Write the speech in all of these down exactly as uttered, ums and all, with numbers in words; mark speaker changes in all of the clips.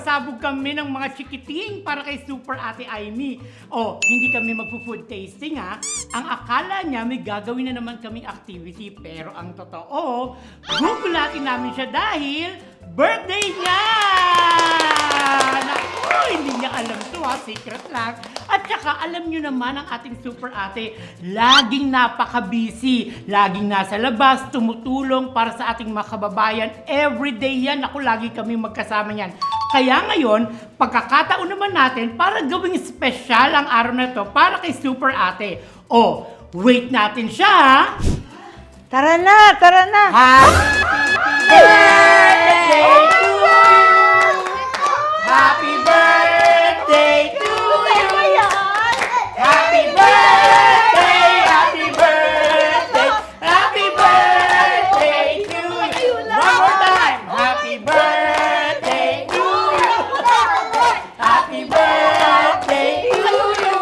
Speaker 1: Sasabog kami ng mga chikiting para kay Super Ate Aimee. O, hindi kami magpo-food tasting ha. Ang akala niya may gagawin na naman kaming activity. Pero ang totoo, gugulatin namin siya dahil birthday niya! Naku, hindi niya alam to ha, secret lang. At saka alam niyo naman ang ating Super Ate, laging napaka-busy. Laging nasa labas, tumutulong para sa ating mga kababayan. Everyday yan, ako lagi kami magkasama niyan. Kaya ngayon, pagkakataon naman natin para gawing special ang araw na to para kay Super Ate. O, wait natin siya ha!
Speaker 2: Tara na, tara na.
Speaker 1: Happy birthday to you! Happy birthday to you! Happy birthday! Happy birthday! Happy birthday to you! One more time! Happy birthday to you! Happy birthday to you!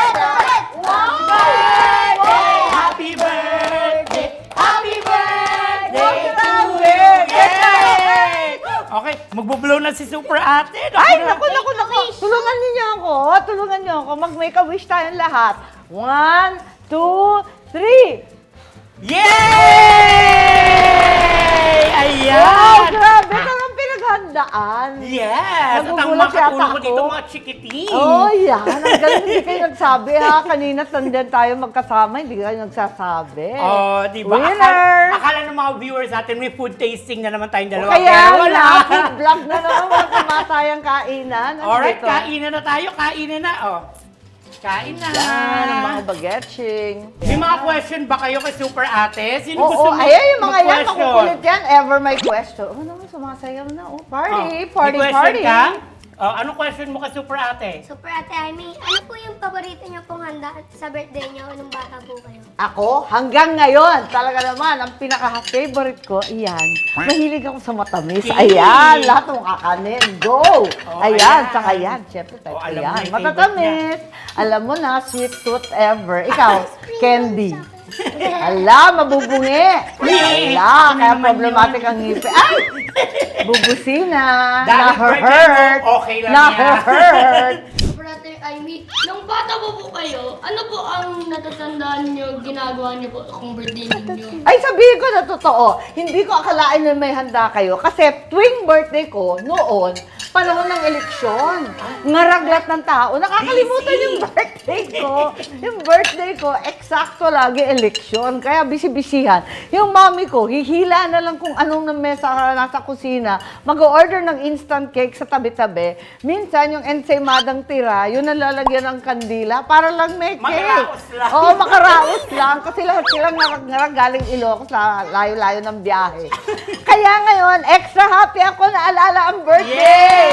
Speaker 1: Happy birthday! Happy birthday to you! Yay! Okay, magbo-blow na si Super Ate.
Speaker 2: Ay, naku, naku, naku. Tulungan niyo ako. Tulungan niyo ako. Mag-make a wish tayong lahat. One, two, three.
Speaker 1: Yay! Ayan!
Speaker 2: Wow, grabe. Talagang pinaghandaan.
Speaker 1: Yes! At ang
Speaker 2: Nagugulat
Speaker 1: mga
Speaker 2: yata
Speaker 1: katulong ko
Speaker 2: ako.
Speaker 1: dito, mga chikiting.
Speaker 2: Oh, yan. Ang galing, hindi kayo nagsabi ha. Kanina tandem tayo magkasama, hindi kayo nagsasabi.
Speaker 1: Oh, di ba?
Speaker 2: Winner!
Speaker 1: Akala, akala ng mga viewers natin, may food tasting na naman tayong dalawa.
Speaker 2: Kaya
Speaker 1: pero wala.
Speaker 2: na, food vlog na naman, wala kumatayang kainan. Ano
Speaker 1: Alright,
Speaker 2: dito?
Speaker 1: kainan na tayo. Kainan na. Oh. Kain na.
Speaker 2: Yan, ang mga bagetching.
Speaker 1: May mga question ba kayo kay Super Ate? Sino
Speaker 2: Oo,
Speaker 1: gusto
Speaker 2: oh,
Speaker 1: mo
Speaker 2: ayan yung mga yan,
Speaker 1: mag-question?
Speaker 2: makukulit yan. Ever my question. Oh, naman, sumasayaw na. Oh, party,
Speaker 1: Oh,
Speaker 2: party,
Speaker 1: may question
Speaker 2: party.
Speaker 1: ka? Oh, anong question mo kay Super Ate?
Speaker 3: Super Ate Aimee, ano po yung paborito niyo pong handa sa birthday niyo nung bata po kayo?
Speaker 2: Ako, hanggang ngayon, talaga naman, ang pinaka-favorite ko, iyan. Mahilig ako sa matamis.
Speaker 1: Okay.
Speaker 2: Ayan, lahat ng kakanin. Go!
Speaker 1: Oh,
Speaker 2: ayan,
Speaker 1: ayan.
Speaker 2: saka yan. Siyempre, type
Speaker 1: Oh,
Speaker 2: ko
Speaker 1: alam mo
Speaker 2: yan.
Speaker 1: yung favorite
Speaker 2: Matatamis. Alam mo na, sweet tooth ever. Ikaw, candy. Ala, mabubungi. Ala, kaya problematic ang ngipin. Ay! Bubusina.
Speaker 1: Dahil birthday
Speaker 2: Na-hurt.
Speaker 1: mo, okay lang yan.
Speaker 2: Na-hurt.
Speaker 4: Super Ate Aimee, nung bata po po kayo, ano po ang natatandaan niyo, ginagawa niyo po kung birthday ninyo?
Speaker 2: Ay, sabihin ko na totoo, hindi ko akalain na may handa kayo. Kasi tuwing birthday ko, noon, panahon ng eleksyon, ngaraglat ng tao, nakakalimutan
Speaker 1: Busy.
Speaker 2: yung birthday ko. Yung birthday ko, eksakto lagi eleksyon. Kaya bisi-bisihan. Yung mami ko, hihila na lang kung anong na mesa nasa kusina, mag-order ng instant cake sa tabi-tabi. Minsan, yung ensaymadang tira, yun ang lalagyan ng kandila para lang may cake.
Speaker 1: Makaraos lang.
Speaker 2: Oo, makaraos lang. Kasi lahat silang ngarag galing Ilocos sa layo-layo ng biyahe. Kaya ngayon, extra happy ako na alala ang birthday!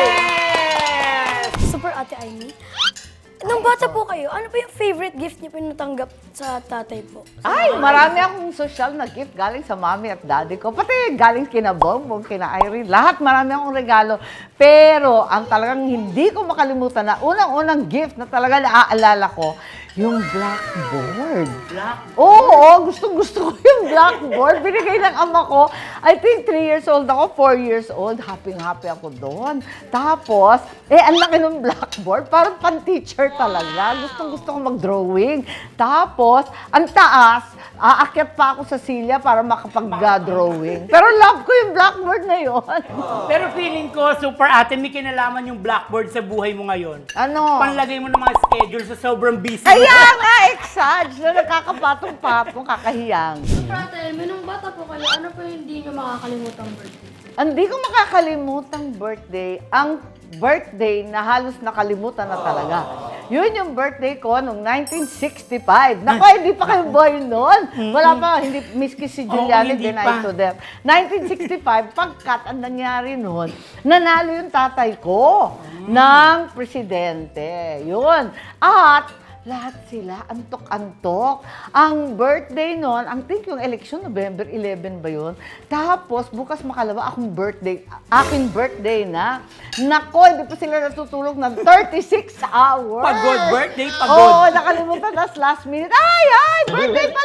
Speaker 1: Yes!
Speaker 4: Super Ate Aimee, nung bata po kayo, ano po yung favorite gift niyo po natanggap sa tatay po?
Speaker 2: Ay, marami akong social na gift galing sa mami at daddy ko. Pati galing kina Bongbong, kina Irene. Lahat marami akong regalo. Pero ang talagang hindi ko makalimutan na unang-unang gift na talaga naaalala ko, yung blackboard.
Speaker 1: Black.
Speaker 2: Oo, gustong-gusto ko yung blackboard. Binigay ng ama ko. I think three years old ako, four years old. Happy-happy ako doon. Tapos, eh, ang laki ng blackboard. Parang pan-teacher talaga. Gustong-gusto ko mag-drawing. Tapos, ang taas, aakyat pa ako sa silya para makapag-drawing. Pero love ko yung blackboard na yun.
Speaker 1: Pero feeling ko, Super Ate, may kinalaman yung blackboard sa buhay mo ngayon.
Speaker 2: Ano?
Speaker 1: Panlagay mo ng mga schedule sa sobrang busy mo.
Speaker 2: Kaya nga, exage na nakakapatong-patong, kakahiyang.
Speaker 4: Super Ate Aimee, nung bata po kayo, ano po yung hindi niyo makakalimutang birthday?
Speaker 2: Hindi ko makakalimutang birthday, ang birthday na halos nakalimutan na talaga. Yun yung birthday ko noong nineteen sixty-five. Naku, hindi pa kayo boy noon. Wala pa, hindi, miski si Juliani,
Speaker 1: hindi
Speaker 2: deny
Speaker 1: pa.
Speaker 2: to them. nineteen sixty-five, pagkat ang nangyari noon, nanalo yung tatay ko ng presidente. Yun. At lahat sila, antok-antok. Ang birthday nun, ang think yung election, November eleven ba yun? Tapos, bukas makalawa, akong birthday, aking birthday na. Nako, hindi pa sila natutulog ng thirty-six hours.
Speaker 1: Pagod, birthday, pagod.
Speaker 2: Oo, nakalimutan, tas last minute, ay, ay, birthday pala.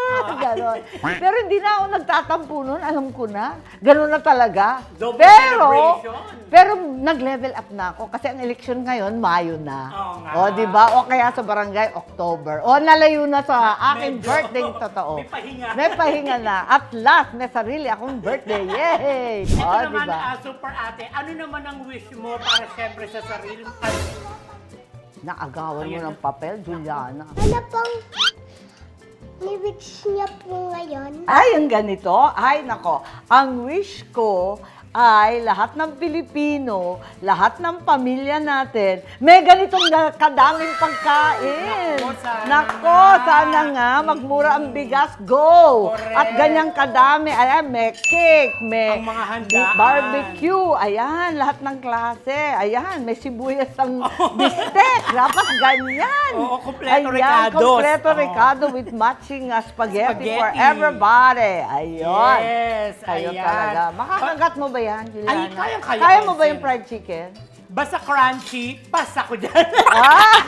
Speaker 2: Ganon. Pero hindi na ako nagtatampo nun, alam ko na. Ganon na talaga.
Speaker 1: Double
Speaker 2: pero,
Speaker 1: celebration.
Speaker 2: pero nag-level up na ako kasi ang eleksyon ngayon, Mayo na.
Speaker 1: Oo nga.
Speaker 2: O, di ba? O kaya sa barangay, October. O, nalayo na sa aking
Speaker 1: Medyo.
Speaker 2: birthday totoo.
Speaker 1: May pahinga.
Speaker 2: May pahinga na. At last, may sarili akong birthday. Yay!
Speaker 1: Ito
Speaker 2: O,
Speaker 1: naman,
Speaker 2: di ba?
Speaker 1: ah, super ate, ano naman ang wish mo para siyempre sa sarili? Ay,
Speaker 2: Naagawan mo
Speaker 1: Ayun
Speaker 2: ng papel, Juliana.
Speaker 3: Ano pong lyrics niya po ngayon?
Speaker 2: Ay, ang ganito. Ay, nako. Ang wish ko ay lahat ng Pilipino, lahat ng pamilya natin, may ganitong na- kadaming pagkain.
Speaker 1: Nako, sana
Speaker 2: Nako,
Speaker 1: nga.
Speaker 2: sana nga, magmura ang bigas, go!
Speaker 1: Correct.
Speaker 2: At ganyang kadami, ayan, may cake, may
Speaker 1: Ang mga handaan.
Speaker 2: barbecue, ayan, lahat ng klase, ayan, may sibuyas ang bistek, dapat ganyan.
Speaker 1: Oo, kumpleto
Speaker 2: Ayan,
Speaker 1: ricados.
Speaker 2: kumpleto
Speaker 1: Oo.
Speaker 2: ricado with matching uh, spaghetti, for
Speaker 1: Spaghetti.
Speaker 2: everybody. Ayun.
Speaker 1: Yes,
Speaker 2: Kayo
Speaker 1: ayan.
Speaker 2: talaga. Makakagat mo ba yan, Juliana?
Speaker 1: Ay, kayang-kaya
Speaker 2: Kaya
Speaker 1: ko
Speaker 2: mo ba
Speaker 1: yan,
Speaker 2: yung
Speaker 1: sir.
Speaker 2: fried chicken?
Speaker 1: Basta crunchy, pass ako dyan.
Speaker 2: Ah!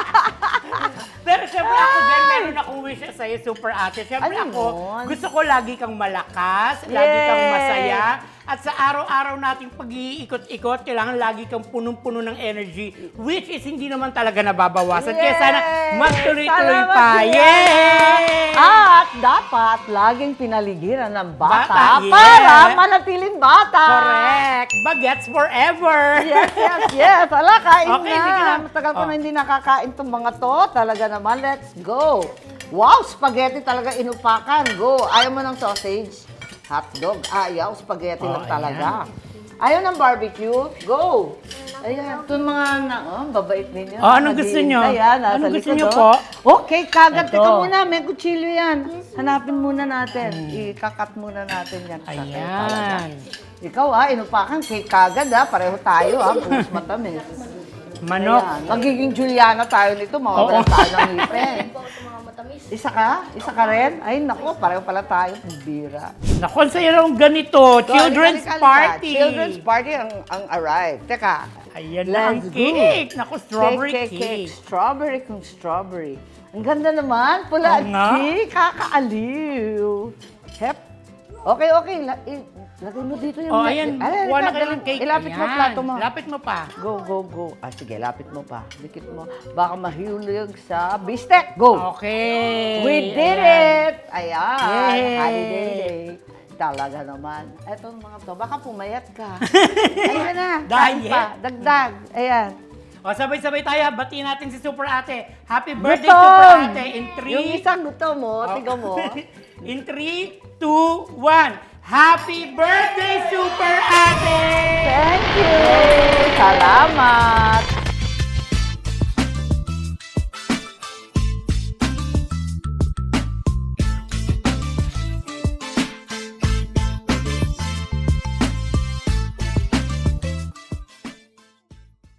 Speaker 1: Pero syempre ako din, meron akong wish sa'yo, super ate. Syempre
Speaker 2: Ano
Speaker 1: ako,
Speaker 2: yun?
Speaker 1: gusto ko lagi kang malakas, lagi kang
Speaker 2: Yay!
Speaker 1: masaya. At sa araw-araw nating pag-iikot-ikot, kailangan lagi kang punong-puno ng energy, which is hindi naman talaga nababawasan. Kaya sana
Speaker 2: Yay!
Speaker 1: magtuloy-tuloy
Speaker 2: Salamat,
Speaker 1: pa.
Speaker 2: Juliana!
Speaker 1: Yay!
Speaker 2: At dapat laging pinaligiran ng bata,
Speaker 1: Bata, yeah.
Speaker 2: para manatiling bata.
Speaker 1: Correct! Bagets forever!
Speaker 2: Yes, yes, yes. Ala, kain
Speaker 1: Okay,
Speaker 2: na.
Speaker 1: sige na.
Speaker 2: Matagal ko
Speaker 1: Oh.
Speaker 2: na hindi nakakain tong mga to. Talaga naman, let's go. Wow, spaghetti talaga inupakan. Go. Ayaw mo ng sausage? Hotdog. Ayaw, spaghetti
Speaker 1: Oh,
Speaker 2: lang talaga. Ayaw ng barbecue? Go. Ayan, itong mga na, oh, babait ninyo.
Speaker 1: Oh, anong gusto nyo?
Speaker 2: Ayan, nasa
Speaker 1: Anong gusto
Speaker 2: likod,
Speaker 1: nyo
Speaker 2: oh.
Speaker 1: po?
Speaker 2: Okay, kagat.
Speaker 1: Ito.
Speaker 2: Teka muna, may kutsilyo yan. Hanapin muna natin. Ikakat muna natin yan. Sa cake talaga.
Speaker 1: Ayan.
Speaker 2: Ikaw ah, inupakan cake kagad ah. Pareho tayo ah, pumus matamis.
Speaker 1: Manok.
Speaker 2: Ayan. Magiging Juliana tayo nito, mawawala
Speaker 1: Oo.
Speaker 2: tayo ng ngipin.
Speaker 4: po sa mga matamis.
Speaker 2: Isa ka? Isa ka rin? Ay, naku, pareho pala tayo. Bira.
Speaker 1: Naku, ang saya raw ganito. Children's
Speaker 2: Halika, halika, halika.
Speaker 1: party.
Speaker 2: Children's party ang, ang arrive. Teka.
Speaker 1: Ayan na ang
Speaker 2: Let's go.
Speaker 1: cake. Naku, strawberry
Speaker 2: cake,
Speaker 1: cake.
Speaker 2: cake, cake. Strawberry kung strawberry. Ang ganda naman. Pula
Speaker 1: Oo nga.
Speaker 2: cake. Kakaaliw. Hep. Okay, okay. La- i- lagay mo dito yung...
Speaker 1: Oh, ayan.
Speaker 2: Ay,
Speaker 1: Kuha na
Speaker 2: halika,
Speaker 1: kayo ng
Speaker 2: dali.
Speaker 1: cake.
Speaker 2: Ilapit mo
Speaker 1: Ayan.
Speaker 2: plato mo.
Speaker 1: Lapit mo pa.
Speaker 2: Go, go, go. Ah, sige, lapit mo pa. Dikit mo. Baka mahulog sa bistek. Go!
Speaker 1: Okay.
Speaker 2: We did
Speaker 1: Ayan.
Speaker 2: it! Ayan.
Speaker 1: Yay!
Speaker 2: Holiday day. Talaga naman. Etong mga to, baka pumayat ka. Ayan na. kain
Speaker 1: Diet.
Speaker 2: pa. Dagdag. Ayan.
Speaker 1: O, sabay-sabay tayo. Batiin natin si Super Ate. Happy birthday,
Speaker 2: Gutom!
Speaker 1: Super Ate. In three...
Speaker 2: Yung isang gutom mo,
Speaker 1: Oh.
Speaker 2: tiga mo.
Speaker 1: In three, two, one. Happy birthday, Super Ate!
Speaker 2: Thank you! Salamat!